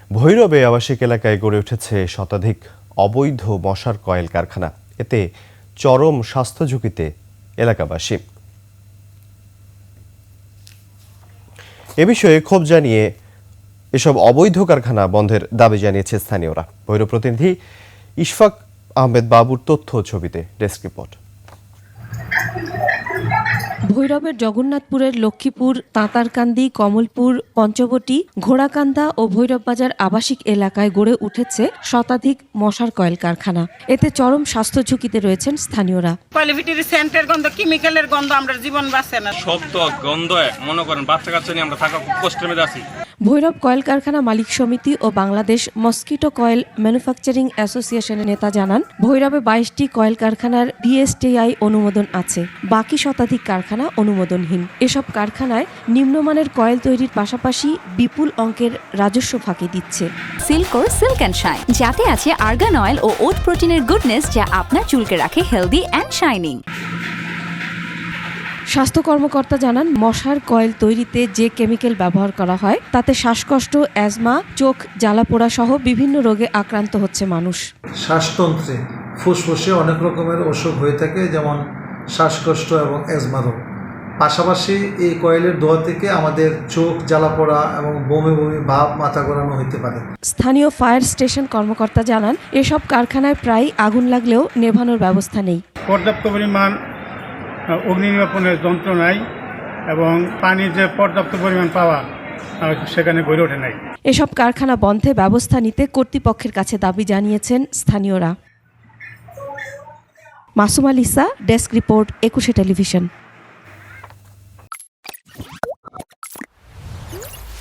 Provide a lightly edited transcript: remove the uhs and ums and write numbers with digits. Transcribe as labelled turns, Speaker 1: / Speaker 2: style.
Speaker 1: ভৈরবে আবাসিক এলাকায় গড়ে উঠেছে শতাধিক অবৈধ মশার কয়েল কারখানা। এতে চরম স্বাস্থ্য ঝুঁকিতে এলাকাবাসী। এ বিষয়ে ক্ষোভ জানিয়ে এসব অবৈধ কারখানা বন্ধের দাবি জানিয়েছে স্থানীয়রা। ভৈরব প্রতিনিধি ইশফাক আহমেদ বাবুর তথ্য ছবিতে ডেস্ক রিপোর্ট।
Speaker 2: ভৈরবের জগন্নাথপুরের লক্ষ্মীপুর, তাঁতারকান্দি, কমলপুর, পঞ্চবটি, ঘোড়াকান্দা ও ভৈরব বাজার আবাসিক এলাকায় গড়ে উঠেছে শতাধিক মশার কয়েল কারখানা। এতে চরম স্বাস্থ্য ঝুঁকিতে রয়েছেন স্থানীয়রা।
Speaker 3: কোয়ালিটির সেন্টের গন্ধ, কেমিক্যালের গন্ধ, আমরা জীবন বাঁচে না।
Speaker 4: শব্দ গন্ধ মনে করেন বাচ্চা কাচ্চা নিয়ে আমরা থাকা খুব কষ্টের মধ্যে আছি।
Speaker 2: ভৈরব কয়েল কারখানা মালিক সমিতি ও বাংলাদেশ মস্কিটো কয়েল ম্যানুফ্যাকচারিং অ্যাসোসিয়েশনের নেতা জানান, ভৈরবে 22টি কয়েল কারখানার বিএসটিআই অনুমোদন আছে, বাকি শতাধিক কারখানা অনুমোদনহীন। এসব কারখানায় নিম্নমানের কয়েল তৈরির পাশাপাশি বিপুল অঙ্কের রাজস্ব ফাঁকি দিচ্ছে।
Speaker 5: সিল্কোর সিল্ক অ্যান্ড শাইন, যাতে আছে আর্গান অয়েল ও ওট প্রোটিনের গুডনেস, যা আপনার চুলকে রাখে হেলদি অ্যান্ড শাইনিং।
Speaker 2: স্বাস্থ্য কর্মকর্তা জানান, মশার কয়েল তৈরিতে যে কেমিক্যাল ব্যবহার করা হয় তাতে শ্বাসকষ্ট, অ্যাজমা, চোখ জ্বালাপোড়া সহ বিভিন্ন রোগে আক্রান্ত হচ্ছে মানুষ।
Speaker 6: শ্বাসতন্ত্রে, ফুসফুসে অনেক রকমের অসুখ হয়ে থাকে, যেমন শ্বাসকষ্ট এবং অ্যাজমা রোগ। পাশাপাশি এই কয়েলের ধোঁয়া থেকে আমাদের চোখ জ্বালাপোড়া এবং বমি বমি ভাব, মাথা ঘোরানো হতে পারে।
Speaker 2: স্থানীয় ফায়ার স্টেশন কর্মকর্তা জানান, এসব কারখানায় প্রায় আগুন লাগলেও নেভানোর ব্যবস্থা নেই।
Speaker 7: পর্যাপ্ত পরিমাণ অগ্নি নির্বাপনের যন্ত্র নাই এবং পানির যে পর্যাপ্ত পরিমাণ পাওয়া সেখানে গড়ে ওঠে নাই।
Speaker 2: এসব কারখানা বন্ধে ব্যবস্থা নিতে কর্তৃপক্ষের কাছে দাবি জানিয়েছেন স্থানীয়রা। Masum Alisa, desk report, 21 television.